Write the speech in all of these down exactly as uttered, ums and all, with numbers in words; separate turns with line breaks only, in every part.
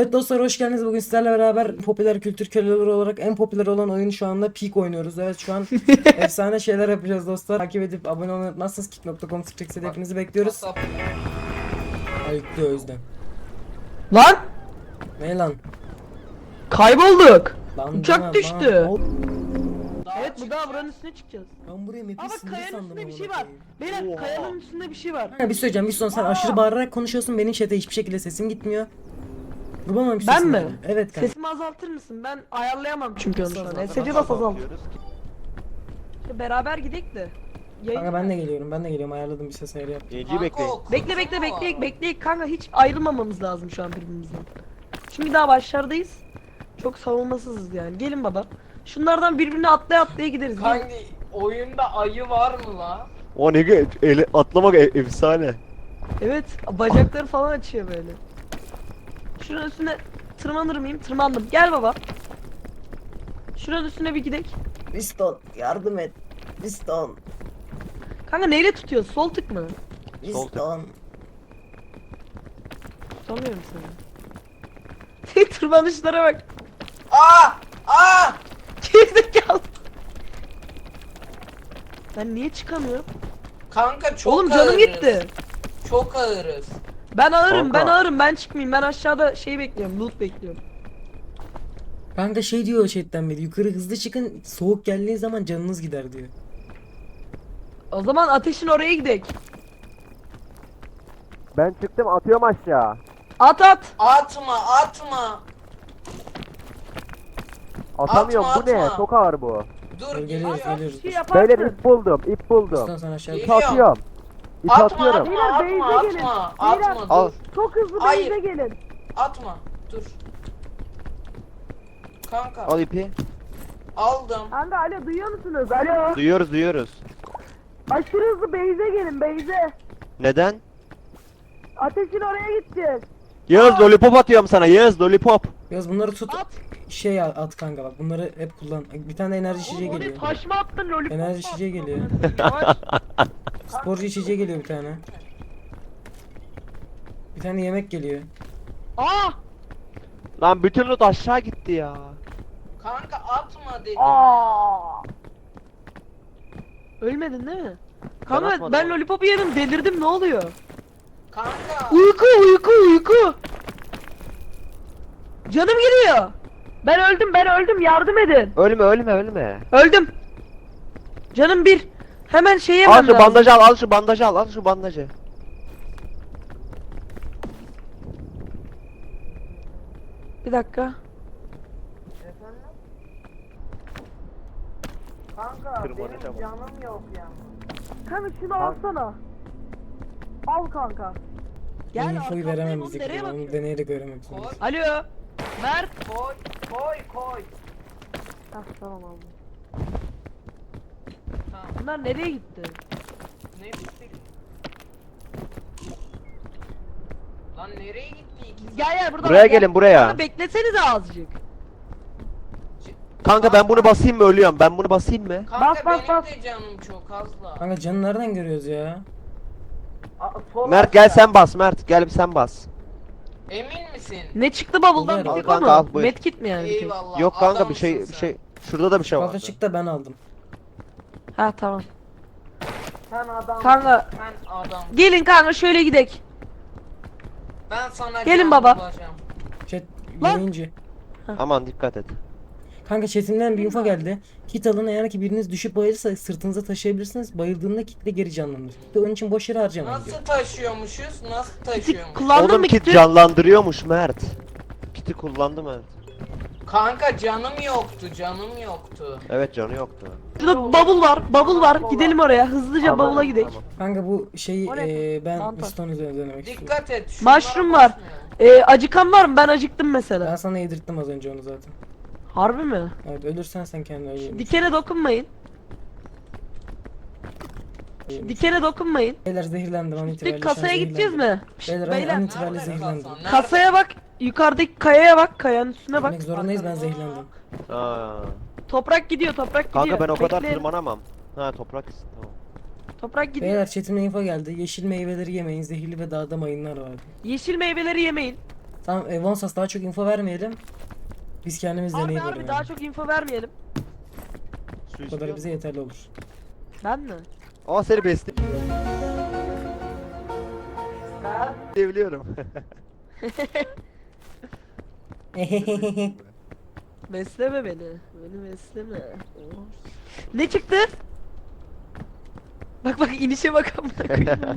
Evet dostlar, hoş geldiniz. Bugün sizlerle beraber popüler kültür köleleri olarak en popüler olan oyun şu anda Peak oynuyoruz. Evet, şu an efsane şeyler yapacağız dostlar. Takip edip abone olmayı unutmazsanız kick nokta com slash hepinizi bekliyoruz. Ayıktı o yüzden.
Lan
Ne lan?
kaybolduk.
Lan
Uçak
bana-
düştü.
bana-
Evet, bu daha buranın üstüne çıkacağız.
Ben buraya
Aa
map'i
bak,
sınır
kayanın
sandım.
üstünde bir
amına
şey var.
koyayım.
Beyler,
Oha.
kayanın üstünde bir şey var.
Ha, bir söyleyeceğim. Bir son sen aşırı bağırarak konuşuyorsun. Benim chat'e hiçbir şekilde sesim gitmiyor. Vurmamamış
Ben
sesim
mi?
yani. Evet kanka.
Sesimi azaltır mısın? Ben ayarlayamam çünkü onu şu an.
Azalt,
S C bas azalt.
Bakıyoruz.
İşte beraber gidelim de. Yayın-
Kanka ben de geliyorum. Ben de geliyorum. Ayarladım, bir ses ayarı yaptım.
Yayıncıyı bekleyin.
Bekle bekle bekle bekle kanka, hiç ayrılmamamız lazım şu an birbirimizden. Şimdi daha başlardayız. Çok savunmasızız yani. Gelin baba. Şunlardan birbirine atlaya atlaya gideriz. Gelin.
Kanka oyunda ayı var mı la?
O ne ge- ele atlamak e- efsane.
Evet, bacakları falan açıyor böyle. Şuranın üstüne tırmanır mıyım? Tırmandım. Gel baba. Şuranın üstüne bir gidelim.
Piston yardım et. Piston.
Kanka neyle tutuyoruz? Sol tık mı?
Sol tık.
Piston.
Tutamıyorum seni. Tırmanışlara bak.
Aa! Aa!
Gerizekalı. Ben niye çıkamıyorum?
Kanka çok
Oğlum canım
ağırız.
gitti.
Çok ağırız.
Ben ağırım,
Kanka.
ben ağırım. Ben çıkmayayım. Ben aşağıda şey bekliyorum. Loot bekliyorum.
Kanka şey diyor chatten beri, yukarı hızlı çıkın, soğuk geldiği zaman canınız gider diyor.
O zaman ateşin oraya gidelim.
Ben çıktım, atıyorum aşağı.
At at.
Atma, atma.
Atamıyorum,
Atma,
bu ne?
atma.
Çok ağır bu.
Dur,
Dur,
geliyor.
geliyoruz,
At,
geliyoruz.
bir şey
dur.
yaparsın.
Beyler ip buldum, ip buldum.
Piston sen aşağı.
Geliyor.
İp atıyorum. İp
Atma,
atıyorum.
atma,
Beyler,
atma,
base'e gelin.
atma,
Beyler.
atma,
Al.
dur.
Çok hızlı
Hayır.
base'e gelin.
Atma, dur. Kanka,
Al ipi.
aldım.
Kanka alo, duyuyor musunuz? Alo.
Duyuyoruz, duyuyoruz.
Aşırı hızlı base'e gelin, base'e.
Neden?
Ateşin oraya gideceğiz.
Yağız lollipop atıyorum sana, Yağız lollipop.
Yaz bunları tut.
At.
Şey at kanka, bak bunları hep kullan. Bir tane enerji içeceği
Oğlum,
geliyor.
oraya taş mı attın, lollipop mu
Enerji içeceği
attın?
geliyor.
Yavaş.
Sporcu içeceği geliyor bir tane. Bir tane yemek geliyor.
Aa!
Lan bütün loot aşağı gitti ya.
Kanka atma dedim.
Aa! Ölmedin değil mi? Kanka
atmadım
ben
abi.
lollipopu yedim, delirdim, ne oluyor?
Kanka.
Uyku uyku uyku. Canım giriyor. Ben öldüm, ben öldüm, yardım edin.
Ölme, ölme, ölme.
Öldüm. Canım bir. Hemen şey
Al
yemem
şu
lazım.
bandajı al, al şu bandajı al, al şu bandajı.
Bir dakika.
Kanka
Tırmanacağım.
benim canım yok ya.
Kanka şunu alsana. Al kanka.
Ben infoyu
arkandayım
veremem
oğlum,
bize.
nereye
Onu
bakıyorsun?
deneyerek öğrenmek
Koy,
zorundayız.
Alo. Mert.
koy, koy, koy.
Hah, tamam aldım.
Tamam.
Bunlar nereye gitti?
Ne bitti? Lan nereye gitti ikisi?
Gel gel burada.
Buraya
var, gel.
gelin, buraya.
Kanka beklesenize azıcık.
Kanka ben bunu basayım mı, ölüyorum? Ben bunu basayım mı?
Kanka
Bas, bas,
benim
bas.
de canım çok azla.
Kanka canı nereden görüyoruz ya?
A- sol
Mert
aşağı.
gel sen bas, Mert gel bir sen bas.
Emin misin?
Ne çıktı bavuldan?
Al
Bir tek o
kanka, al,
mu?
buyur.
Medkit mi yani? bir tek?
Eyvallah.
Yok kanka, bir
adamsın
şey bir
sen.
şey. Şurada da bir şey
Fazla
var.
çıktı, ben aldım.
Ha tamam.
Sen adam.
Kanka.
Sen adam.
Gelin kanka şöyle gidek.
Ben sana
Gelin
can
baba.
bulacağım.
Chat
Lan!
yayıncı.
Aman dikkat et.
Kanka chatimden bir info geldi. Kit alın, eğer ki biriniz düşüp bayılırsa sırtınıza taşıyabilirsiniz. Bayıldığında kitle geri canlanır. İşte onun için boş yere harcamayın diyor.
Nasıl taşıyormuşuz? Nasıl taşıyormuş?
Kullandın
Oğlum
mı
kit
kiti?
canlandırıyormuş Mert. Kiti kullandı Mert.
Kanka canım yoktu, canım yoktu.
Evet canı yoktu.
Şurada bavul var, bavul var. Gidelim oraya. Hızlıca
Tamam,
bavula gidelim.
tamam.
Kanka bu şeyi
O ne?
eee ben
Mantar.
piston üzerine denemek istiyorum.
Dikkat et. şunlara
Mushroom var.
basmıyor.
Ee, acıkan var mı? Ben acıktım
Ben
mesela.
sana yedirttim az önce onu zaten.
Harbi mi?
Evet, ölürsen sen kendin öyle.
Dikene dokunmayın. Dikene dokunmayın.
Beyler zehirlendim an itibariyle.
Dik
şu an
kasaya gideceğiz
zehirlendim.
mi? Şşt,
Beyler,
beyler.
an itibariyle
Nerede
zehirlendim.
kasan? Nerede?
Kasaya bak. Yukarıdaki kayaya bak. Kayanın üstüne bak.
Gitmek zorundayız, ben zehirlendim.
Aa.
Toprak gidiyor, toprak gidiyor.
Kanka ben o kadar
Bekleyin.
tırmanamam. Ha toprak. Tamam.
Toprak gidiyor.
Beyler chatimden info geldi. Yeşil meyveleri yemeyin, zehirli ve dağda mayınlar var.
Yeşil meyveleri yemeyin.
Tamam e, Vonsas daha çok info vermeyelim. Biz kendimiz
Harbi
deneyelim.
harbi
yani.
daha çok info vermeyelim.
Su
Bu
istiyor
kadar bize
musun?
yeterli olur.
Ben mi?
Aa seni besle. Diyebiliyorum.
Besleme beni. Beni besleme. Oh. Ne çıktı? Bak bak inişe bak amına koyayım.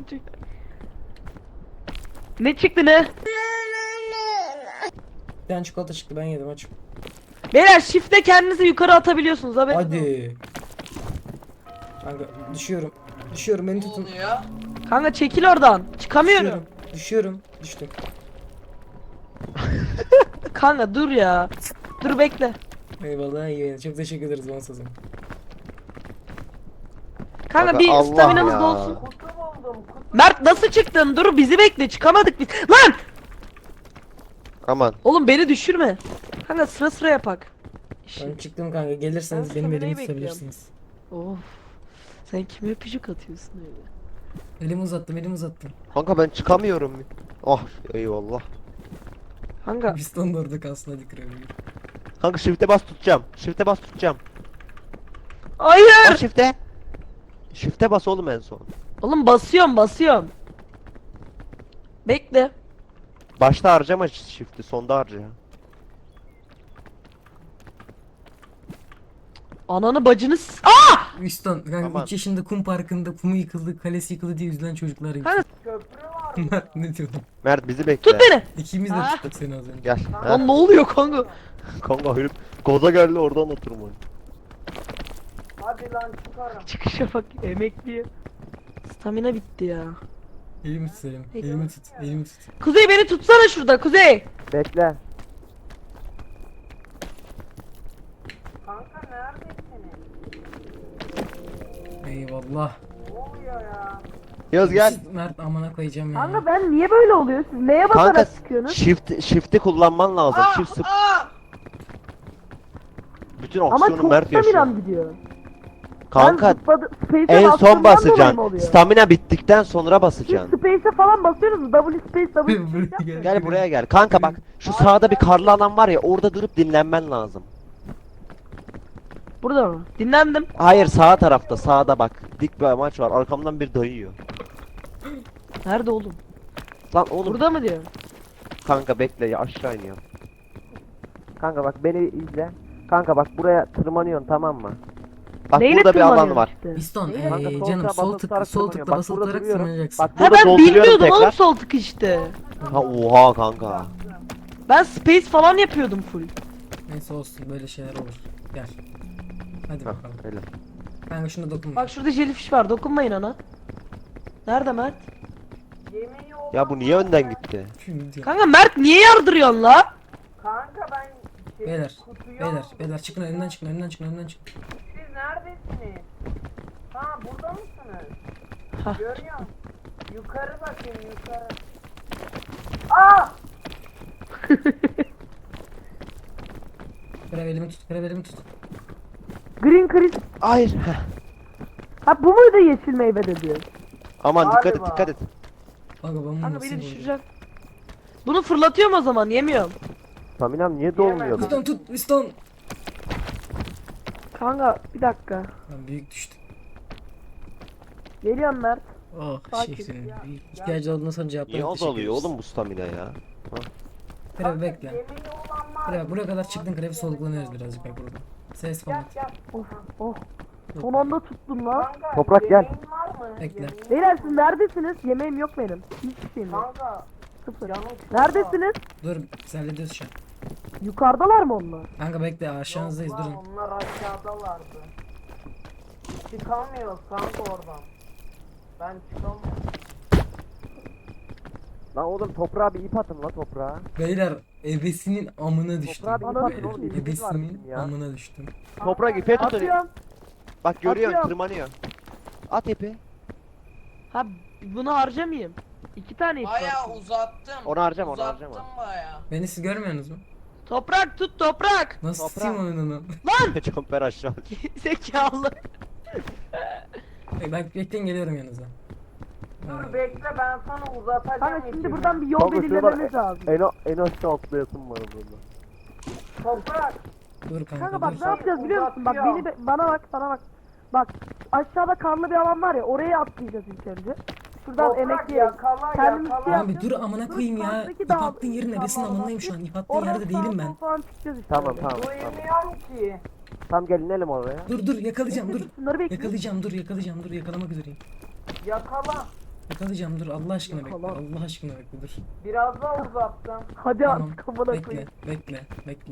Ne çıktı ne?
Bir tane çikolata çıktı ben yedim aç.
Beyler shift'le kendinizi yukarı atabiliyorsunuz haberiniz olsun.
Hadi. Kanka düşüyorum. Düşüyorum beni
Ne
tutun.
oluyor?
Kanka çekil oradan. Çıkamıyorum.
Düşüyorum. Düşüyorum. Düştüm.
Kanka dur ya. Dur bekle.
Eyvallah iyi. Çok teşekkür ederiz Vonsas'ım.
Kanka
Kanka,
bir
Allah
staminamız
ya.
dolsun.
Kutu buldum kutu.
Mert nasıl çıktın? Dur bizi bekle. Çıkamadık biz. Lan!
Aman.
Oğlum beni düşürme. Kanka sıra sıra yapak.
Ben çıktım kanka. Gelirseniz
Ben
benim
staminayı
elimi
bekliyorum.
tutabilirsiniz.
Of. Sen kime öpücük atıyorsun öyle?
Elimi uzattım elimi uzattım.
Kanka ben çıkamıyorum. Ah eyvallah.
Kanka
Piston da orada kalsın hadi kırabilir.
Kanka shift'e bas tutacağım. Shift'e bas tutacağım.
hayır.
Bas shift'e. Shift'e bas oğlum en son.
Oğlum basıyorum basıyorum. Bekle.
Başta harcama shift'i, sonda harca.
Ananı bacını s- Aa!
Piston kanka
Aman.
üç yaşında kum parkında kumu yıkıldı, kalesi yıkıldı diye üzülen çocuklar gibi.
Kanka
Köprü var.
ne diyordun?
Mert bizi bekle.
tut beni.
İkimiz de
Ha?
tuttuk seni az önce.
Gel. Ha.
Lan ne oluyor kanka?
Kanka herif gaza geldi oradan oturma.
Hadi lan çıkarım.
Çıkışa bak emekliyor. Stamina bitti ya.
Elimi tut Selim.
Peki.
Elimi tut. Elimi tut.
Kuzey beni tutsana şurada Kuzey.
Bekle.
Kanka neredesiniz?
Eyvallah.
Ne oluyor ya?
Yaz gel.
Mert amına koyacağım ya.
Kanka ben niye böyle oluyor? Siz neye basarak
Kanka
çıkıyorsunuz?
shift shift'i kullanman lazım.
Aa,
Shift sıp.
aa!
Bütün
Ama
aksiyonu
çok
Mert yaşıyor.
staminam gidiyor.
Kanka
Ben zıpladı, Space'e
en
bastığımdan
son
dolayı mı
basacaksın.
oluyor?
Stamina bittikten sonra
Siz
basacaksın.
Space'e falan basıyorsunuz. W space, W
Buraya
space
gel.
yapmıyor.
Gel buraya gel. Kanka bak şu sağda bir karlı alan var ya, orada durup dinlenmen lazım.
Burada mı? Dinlendim.
Hayır, sağ tarafta, sağda bak. Dik bir amaç var. Arkamdan bir dayıyor.
Nerede oğlum?
Lan oğlum.
Burada mı diyor?
Kanka bekle ya, aşağı iniyorum. Kanka bak beni izle. Kanka bak buraya tırmanıyorsun, tamam mı? Bak
Neyle
burada bir alan
tırmanıyorsun
var.
işte?
Piston
Neyle?
Kanka,
ee,
sol
canım
tığa
sol
basılı
tık
tutarak
sol
tırmanıyorum.
tıkla
Bak,
basılı
burada
tutarak
duruyorum.
tırmanacaksın.
Bak
Ha
burada
ben
dolduruyorum
bilmiyordum
tekrar.
oğlum sol tık işte.
Ha oha kanka.
Ben space falan yapıyordum full.
Neyse olsun böyle şeyler olur. Gel. Hadi
Hah,
bakalım.
öyle.
Kanka şuna dokunma.
Bak şurada jellyfish var dokunmayın ona. Nerede Mert?
Yemeği olan
Ya bu niye önden gitti?
Şimdi diyor.
Kanka Mert niye yardırıyorsun la?
Kanka ben şey,
Beyler,
kutuyu
beyler,
aldım.
beyler çıkın önünden çıkın önünden çıkın önünden çıkın.
Siz neredesiniz? Ha burada mısınız?
Hah.
Görüyorum. Yukarı bakın yukarı. Aa!
Krev elimi tut, krev elimi tut.
Green Chris.
Hayır. heh.
Ha bu muydu yeşil meyve dedi?
Aman dikkat et,
Galiba.
dikkat et.
Kanka ben bunu
Kanka
nasıl
beni
buldum?
düşürecek. Bunu fırlatıyorum o zaman yemiyorum.
Staminam niye dolmuyor?
Piston tut, piston.
Kanka bir dakika.
Lan büyük düştü.
Geliyorum Mert.
Oh
Sakin.
şehrin. İhtiyacı olduğundan sonra
Niye
cevaplarını teşekkür
azalıyor
ederiz.
oğlum bu stamina ya?
Krev bekle.
Yemeği olan var.
Krev buraya kadar çıktın krev soluklanıyoruz birazcık bak burada. Ses
Gel
falan.
gel.
Of oh. Son anda tuttum lan.
Kanka,
Toprak, gel.
yemeğin var mı?
Bekle.
Yemeğin-
Beyler siz neredesiniz? Yemeğim yok benim. Hiçbir şeyim yok.
Kanka
Sıfır.
canım çok
Neredesiniz?
Dur biz hallediyoruz şu an.
Yukarıdalar mı onlar?
Kanka bekle aşağınızdayız
Yok lan,
durun.
onlar aşağıdalardı. Çıkamıyoruz kanka oradan. Ben çıkamıyorum.
Lan oğlum toprağa bir ip atın la toprağa.
Beyler ebesinin amına düştüm.
Toprağa bir ip atın oğlum,
Beyler,
ipimiz var
ebesinin
bizim ya.
amına düştüm.
Toprak ipe tutun.
Atıyorum.
Bak görüyorsun,
Atıyorum.
tırmanıyor. At ipi.
Ha bunu harcamayayım. İki tane ip var.
Bayağı uzattım.
Onu harcama, onu
uzattım
harcama.
bayağı.
Beni siz görmüyorsunuz mu?
Toprak tut toprak.
Nasıl
Toprak.
tutayım oyununu?
Jumper aşağı.
Zekalı.
Bak bekleyin geliyorum yanınıza.
Dur bekle ben sana uzatacağım.
Kanka şimdi
ipimi.
buradan bir yol
Kanka
belirlememiz
şurada
lazım.
En, a- en aşağı atlayasın var burada.
Toprak.
Dur kanka,
Kanka bak
dur.
ne yapacağız biliyor musun? Bak
Uzatıyor.
beni be- bana bak bana bak. Bak aşağıda karlı bir alan var ya oraya atlayacağız ilk önce. Şuradan
Toprak
emekleyerek.
yakala
Kendimiz
yakala.
şey
Lan bir
yapacağız.
dur amına koyayım ya.
karşıdaki
İp
dağ-
attığın yerin neresinin
dağlara
amındayım şu an.
basıp
İp attığın
oradan
yerde değilim
sağa
ben.
sola falan çıkacağız işte.
Tamam
öyle.
tamam tamam.
Duymuyorum ki.
Tam gelin inelim oraya.
Dur dur yakalayacağım dur.
Şunları bekle.
Yakalayacağım dur yakalayacağım dur yakalamak üzereyim.
Yakala.
Yakalayacağım dur Allah aşkına bekle.
Yakala.
Allah aşkına bekle dur.
Biraz daha uzattım.
Hadi
Tamam.
artık amına
Bekle
koyayım.
bekle bekle.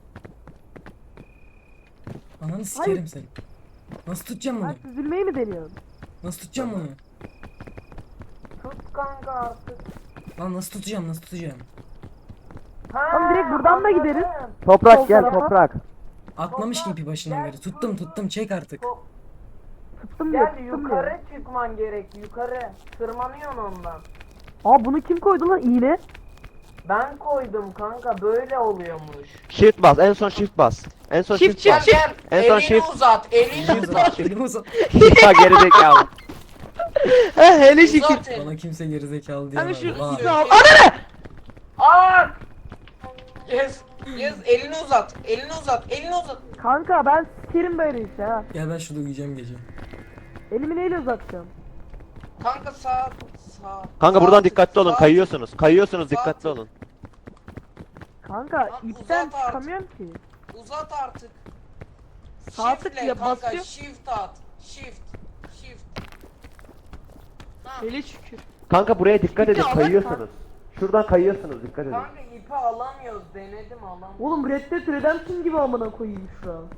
Ananı sikerim seni. Nasıl tutacağım bunu?
Sen süzülmeyi mi deniyorsun?
Nasıl tutacağım bunu?
Tut kanka artık.
Lan nasıl tutacağım nasıl tutacağım?
Ha,
Tamam, direkt buradan da
anladım.
gideriz.
Toprak
Sol
gel
tarafa.
toprak.
Atmamış ki ipi başından beri. Tuttum tuttum çek artık.
Tuttum diyor
Gel
tuttum
yukarı
diyor.
çıkman gerek yukarı. Tırmanıyorsun ondan.
Aa bunu kim koydu lan iğne?
Ben koydum kanka böyle oluyormuş.
Shift bas. En son shift bas. En son
Shift,
shift,
shift,
bas.
Gel
En son
elini
shift.
uzat elini
Elimi
uzat.
uzat. Elimi uzat.
Ya gerizekalı.
He hele şükür.
Uzat elini.
Bana kimse gerizekalı
Hani
diyemez.
şu
Vay.
ipi al. Ananı!
Aa! Yes, yes, elini uzat, elini uzat, elini uzat.
Kanka ben sikerim böyle işte ha.
Gel ben şurada uyuyacağım gece.
Elimi neyle uzatacağım?
Kanka sağ, sağ.
Kanka
sağ
buradan
tık,
dikkatli olun.
sağ
Kayıyorsunuz. Kayıyorsunuz
Sağ
dikkatli
tık.
olun.
Kanka
Lan
ipten
uzat artık.
çıkamıyorum ki.
tık, Uzat artık.
Sağ tık
Shift'le
ya,
kanka,
basıyor.
shift at. Shift, shift. Ha,
Hele şükür.
Kanka buraya dikkat edin.
İpi alın
Kayıyorsunuz. Şuradan kayıyorsunuz. Dikkat edin.
kanka ipi alamıyoruz, denedim alamıyorum.
Oğlum Red Dead Redemption gibi amına koyayım şu an.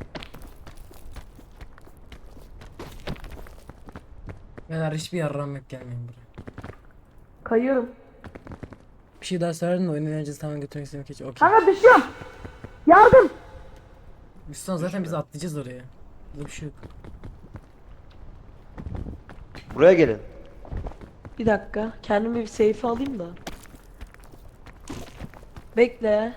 Beyler hiçbir yarram yok gelmeyin buraya.
Kayıyorum.
Bir şey daha söylerdin de oyun eğlencesi tamamen götürmek istedim keçi. Okey.
Kanka düşüyorum. Yardım.
Biz sonra zaten biz atlayacağız oraya. Burada bir şey yok.
Buraya gelin.
Bir dakika. Kendimi bir safe alayım da. Bekle.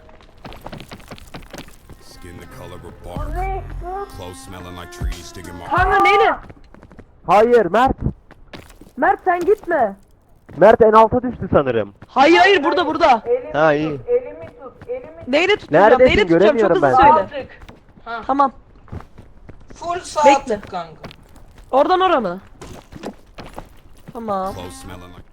Skin the color of bark, clothes smelling like trees, digging my
Kanka neyle?
Hayır Mert.
Mert sen gitme.
Mert en alta düştü sanırım.
Hayır hayır burada burada.
Elimi
Ha,
tut,
iyi.
elimi tut, elimi tut.
Neyle tutacağım?
Neredesin?
Neyle tutacağım? Çok
Göremiyorum
hızlı
ben.
söyle.
Sağ tık. Ha,
Tamam.
full sağ
Bekle.
tık kanka.
Oradan ora mı? Tamam.
clothes smelling like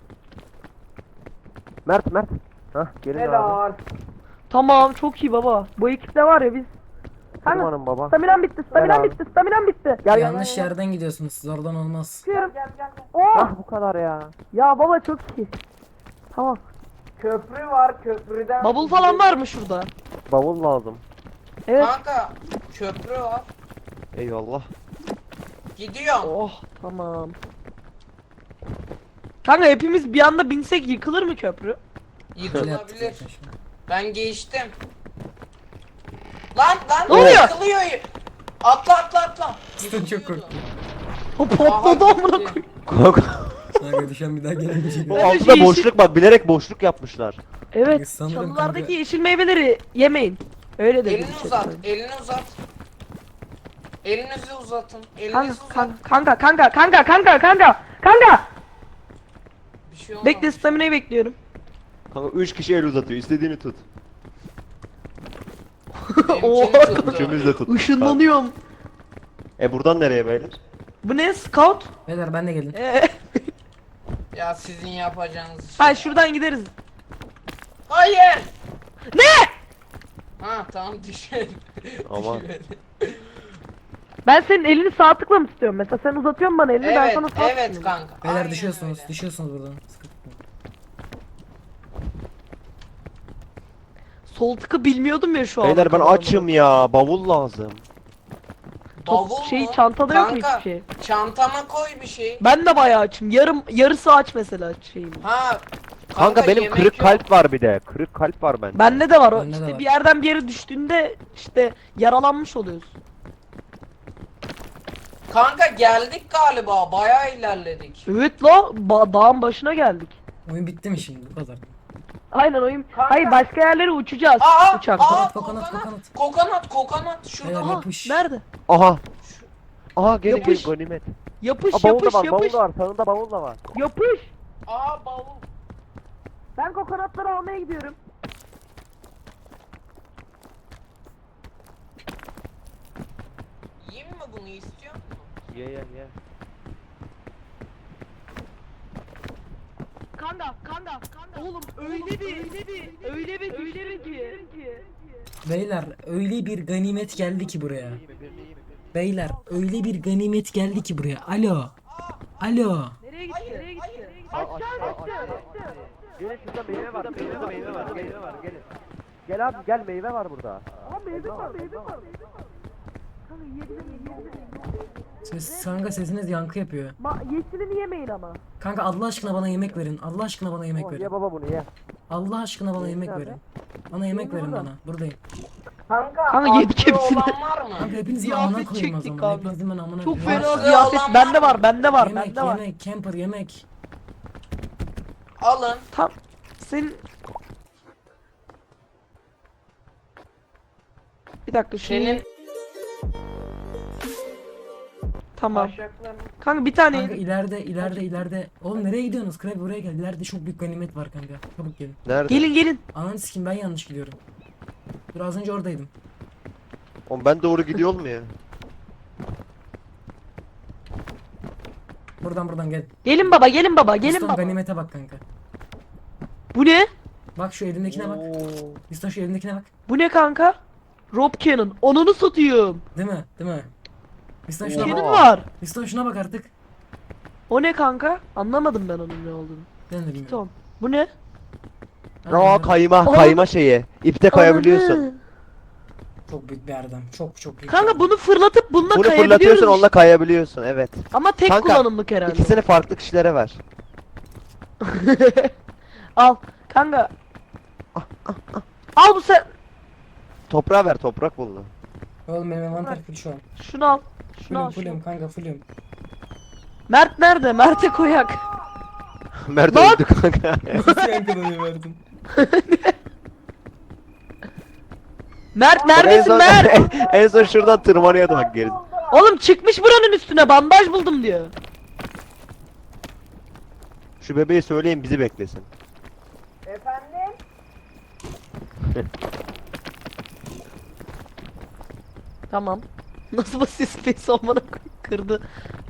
Mert Mert. Hah gelin abi.
Helal.
Tamam çok iyi baba. Bu ekipte var ya biz. Kanka
Tırmanın baba.
staminam bitti, staminam
Helal.
bitti, staminam bitti.
Gel gel.
Yanlış yerden gidiyorsunuz siz oradan olmaz.
Çıkıyorum.
Gel gel gel.
Oh!
Ah bu kadar ya.
Ya baba çok iyi. Tamam.
Köprü var, köprüden.
Bubble falan var mı şurada?
Bavul lazım.
Evet.
Kanka köprü var.
Eyvallah.
Gidiyorum.
Oh tamam. Kanka hepimiz bir anda binsek yıkılır mı köprü?
Öyle yaptık
Yıkılabilir.
zaten şu an.
Ben geçtim. Lan lan
Ne oluyor?
yıkılıyor. Atla atla atla.
Cidden çok korktum.
O patladı
Aha,
amına
gitti.
koyayım.
Kanka düşen bir daha gelemeyecek.
Bu
Öyle
altında
şey-
boşluk var. Bilerek boşluk yapmışlar.
Evet.
Sanırım
Çalılardaki
kanka-
yeşil meyveleri yemeyin. Öyle dedi.
Elini uzat, elini uzat. Elinizi uzatın. Elinizi
Kanka
uzat.
kanka kanka kanka kanka kanka kanka.
Bir şey olmaz.
Bekle stamina'yı bekliyorum.
Kanka üç kişi el uzatıyor. İstediğini tut.
Benimkini
Oha.
tuttu.
Üçümüz de tut.
Işınlanıyorum.
E buradan nereye beyler?
Bu ne scout?
Beyler ben de gelin.
Ee,
Ya sizin yapacağınız şey.
ha şuradan gideriz.
Hayır.
Ne?
Ha tamam düşün.
Aman.
Ben senin elini sağ tıkla mı tutuyorum? Mesela sen uzatıyorsun bana elini ben
Evet,
sana sağ
evet
tutuyorum.
kanka.
Beyler
aynen
düşüyorsunuz.
öyle.
Düşüyorsunuz buradan. Sıkıntı yok.
Sol tıkı bilmiyordum ya şu an.
Beyler ben açım ya. Bavul lazım.
Bavul
Şey
mu?
çantada yok mu
Kanka,
hiçbir şey?
Çantama koy bir şey.
Ben de bayağı açım. Yarım yarısı aç mesela şeyim.
Ha.
Kanka, benim
yemek
kırık
yok.
kalp var bir de. Kırık kalp var bende.
Bende de var o.
Bende de
İşte
var.
bir yerden bir yere düştüğünde işte yaralanmış oluyorsun.
Kanka geldik galiba. Bayağı ilerledik.
Evet la ba- dağın başına geldik.
Oyun bitti mi şimdi bu kadar?
Aynen oyun.
Kanka.
Hayır başka yerlere uçacağız
Aa,
uçakla.
aa,
Kokonat,
kokonat,
kokonat.
kokonat, kokonat, şurada.
Beyler,
Aha,
yapış.
nerede?
Aha. Aha gelin
Yapış.
gelin ganimet.
Yapış
Aa, bavul da
yapış
var. Bavul
yapış.
da var. Sağında bavul da var.
Yapış.
Aa bavul.
Ben kokonatları almaya gidiyorum.
Yiyeyim mi bunu, istiyor musun?
Ye ye ye.
Kanka, kanka, kanka. Oğlum öyle bir, öyle bir, öyle bir, öyle bir ki.
Beyler öyle bir ganimet geldi ki buraya. Beyler öyle bir ganimet geldi ki buraya. Alo. Alo.
Nereye gitti?
Hayır,
Nereye
hayır.
gitti?
Aşağı
Aşağı
aşağı
düştü.
Gelin şurada meyve var. Şurada meyve var. Meyve var. Gelin. Gel abi gel meyve var burada.
Aa meyve var, meyve var. Kanka yiyebilirim, yiyebilirim.
Ses, kanka sesiniz yankı yapıyor.
Ma yeşilini yemeyin ama.
Kanka Allah aşkına bana yemek verin. Allah aşkına bana yemek
Oh,
verin.
ye baba bunu ye.
Allah aşkına bana yemek
nerede?
verin. Bana yemek verin bana. Buradayım.
Kanka,
Kanka yedik
acı
hepsini.
olan var mı?
Kanka hepinizin
Ziyafet
amına koyayım o
çektik
zaman.
kanka.
Hepinizin ben amına
Çok
koyayım.
fena
Varsa-
ziyafet.
Yalan
Bende
var
var, bende var,
Yemek
bende var.
yemek. Camper yemek.
Alın.
Tam senin bir dakika şunu
Senin
tamam.
taşakların.
Kanka bir tane
Kanka
yedim.
ileride ileride ileride. Oğlum nereye gidiyorsunuz? Krep buraya gel. İleride çok büyük ganimet var kanka. Çabuk gelin.
Nerede?
Gelin gelin.
Ananı sikeyim ben yanlış gidiyorum. Dur az önce oradaydım.
Oğlum ben doğru gidiyor mu ya?
Buradan buradan gel.
Gelin baba, gelin baba, gelin
Piston
baba.
ganimete bak kanka.
Bu ne?
Bak şu elindekine bak. Piston şu elindekine bak.
Bu ne kanka? Rob Cannon. Onunu satayım.
Değil mi? Değil mi? Piston şuna
Cannon
bak.
var.
Piston şuna bak artık.
O ne kanka? Anlamadım ben onun ne olduğunu.
Ben de bilmiyorum.
Tamam. Bu ne?
Aa kayma
Oğlum-
kayma şeyi. İpte kayabiliyorsun.
Ananı.
Çok büyük bir erdem. Çok çok büyük.
Kanka
bir
bunu fırlatıp bununla
Bunu
kayabiliyoruz
fırlatıyorsun
işte.
onunla kayabiliyorsun evet.
Ama tek
Kanka,
kullanımlık herhalde.
İkisini farklı kişilere ver.
Al. Kanka. Al bu sen.
Toprağa ver toprak bulunu.
erdem. Oğlum benim envanter full şu an.
Şunu al. Şunu al.
Fullüm
Şunu.
fullüm kanka fullüm.
Mert nerede? Mert'e koyak.
Mert
Lan!
öldü kanka.
Nasıl yankılanıyor verdim?
Mert
en
neredesin
son,
Mert?
en son şuradan tırmanıyordu bak geri.
Oğlum çıkmış buranın üstüne bandaj buldum diyor.
Şu bebeği söyleyin bizi beklesin.
Efendim?
Tamam. Nasıl basit space olmana kırdı.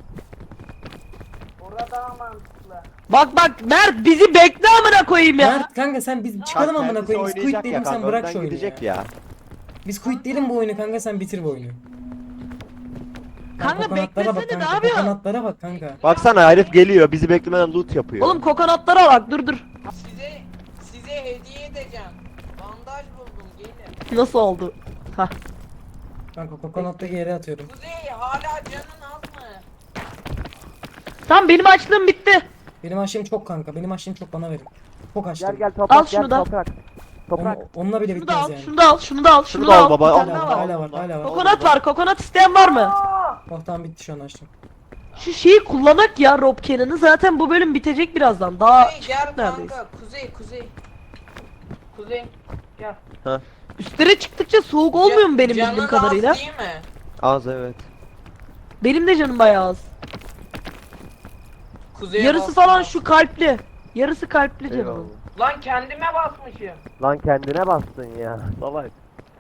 Orada daha mantıklı.
Bak bak Mert bizi bekle amına koyayım ya.
Mert kanka sen biz çıkalım
Bak,
amına
kendisi
koyayım. Biz quit
oynayacak
diyelim
ya
sen
kanka,
bırak
önden
şu oyunu
gidecek
ya.
ya.
Biz quit diyelim bu oyunu kanka sen bitir bu oyunu.
Kanka
kokonatlara bak
beklesene, ne
kanka.
yapıyorsun?
Kokonatlara bak kanka.
Baksana herif geliyor bizi beklemeden loot yapıyor.
Oğlum kokonatlara bak dur dur.
Size size hediye edeceğim. Bandaj buldum, gelin.
Nasıl oldu? Hah.
Kanka kokonattaki yere atıyorum.
Kuzey, hala canın az mı?
Tamam benim açlığım bitti.
Benim aşığım çok kanka. Benim aşığım çok bana verin. Çok açtım.
Gel gel toprak
Al
gel
şunu da.
toprak. Toprak.
Onu- onunla bile
Şunu da
bitmez
al,
yani.
şunu da al, şunu da al, şunu
da
da
al
al.
baba,
Bir
al.
tane daha
Hala,
var.
hala var hala var.
Kokonat var, kokonat isteyen var mı?
Oh tamam bitti şu an açtım.
Şu şeyi kullanak ya Rob Cannon'ı, zaten bu bölüm bitecek birazdan. Daha
Kuzey gel
neredeyiz?
kanka, kuzey kuzey. Kuzey gel.
üstlere çıktıkça soğuk olmuyor mu benim
Canın
bildiğim
az
kadarıyla?
değil mi?
Az evet.
Benim de canım bayağı az.
Kuzeye
Yarısı
bastım.
falan şu kalpli. Yarısı kalpli
Eyvallah.
canım.
Lan kendime basmışım.
Lan kendine bastın ya.
Salak.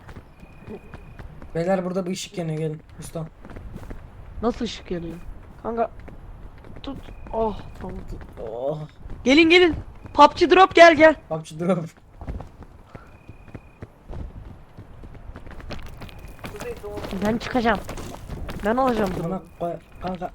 Beyler burada bir ışık yanıyor gelin. Usta.
Nasıl ışık yanıyor? Kanka tut. Oh tamam.
Oh.
Gelin gelin. P U B G drop gel gel.
P U B G drop.
Kuzey doğru.
Ben çıkacağım. Ben alacağım bunu.
Bana koy kanka.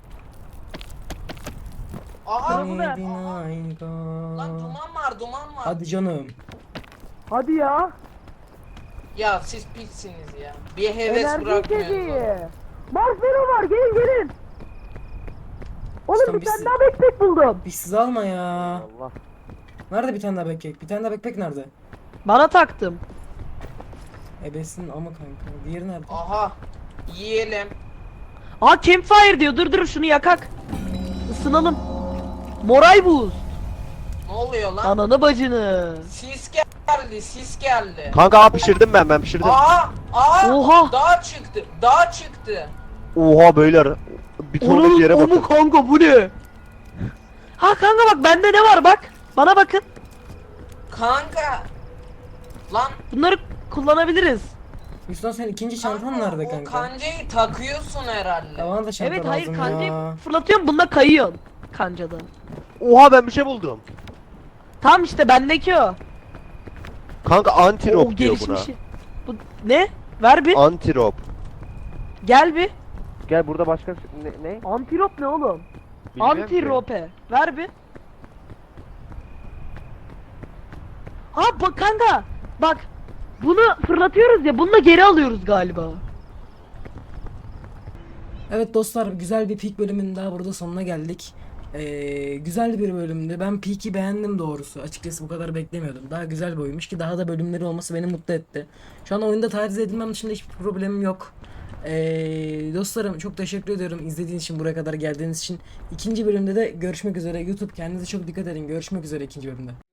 Aha
bu ne?
Baby night
lan
oh.
duman var, duman var.
Hadi canım.
Hadi ya.
Ya siz pissiniz ya. Bir heves bırakmıyorsunuz.
Marshmallow var, gelin gelin.
Oğlum, bir tane daha
backpack buldum.
Bir siz alma ya.
Allah.
Nerede bir tane daha backpack? Bir tane daha backpack nerede?
Bana taktım.
Ebesin ama kanka. Diğeri nerede?
Aha. Yiyelim.
Aa campfire diyor, dur dur şunu yakak. Isınalım. Moray buz.
Ne oluyor lan?
Ananı bacını.
Sis geldi, sis geldi.
Kanka aa, pişirdim ben ben pişirdim.
Aa, aa.
Oha.
Dağ çıktı, dağ çıktı.
Oha beyler. Bir tonluk
Onun
yere
o mu
bakın.
kanka bu ne? Ha kanka bak bende ne var bak. Bana bakın.
Kanka. Lan
Bunları kullanabiliriz.
Mustafa sen ikinci çantan nerede
o
kanka?
kancayı takıyorsun herhalde.
Ya bana da çanta
Evet
lazım
hayır kancayı
ya.
fırlatıyorum bununla kayıyorsun. Kancadan.
Oha ben bir şey buldum.
Tam işte bendeki o.
Kanka
O
antirop diyor buna.
gelişmişi. Bu ne? Ver bir.
Antirop.
Gel bir.
Gel burada başka ne? ne?
Antirop ne oğlum?
Bilmiyorum ki.
Antirope. Ver bir. Ha bak kanka. Bak. Bunu fırlatıyoruz ya. Bunu da geri alıyoruz galiba.
Evet dostlar, güzel bir Peak bölümünün daha burada sonuna geldik. Ee, güzel bir bölümdü. Ben Peak'i beğendim doğrusu. Açıkçası bu kadar beklemiyordum. Daha güzel bir oyunmuş ki daha da bölümleri olması beni mutlu etti. Şu an oyunda taciz edilmem dışında hiçbir problemim yok. Ee, dostlarım çok teşekkür ediyorum izlediğiniz için, buraya kadar geldiğiniz için. İkinci bölümde de görüşmek üzere. YouTube kendinize çok dikkat edin. Görüşmek üzere ikinci bölümde.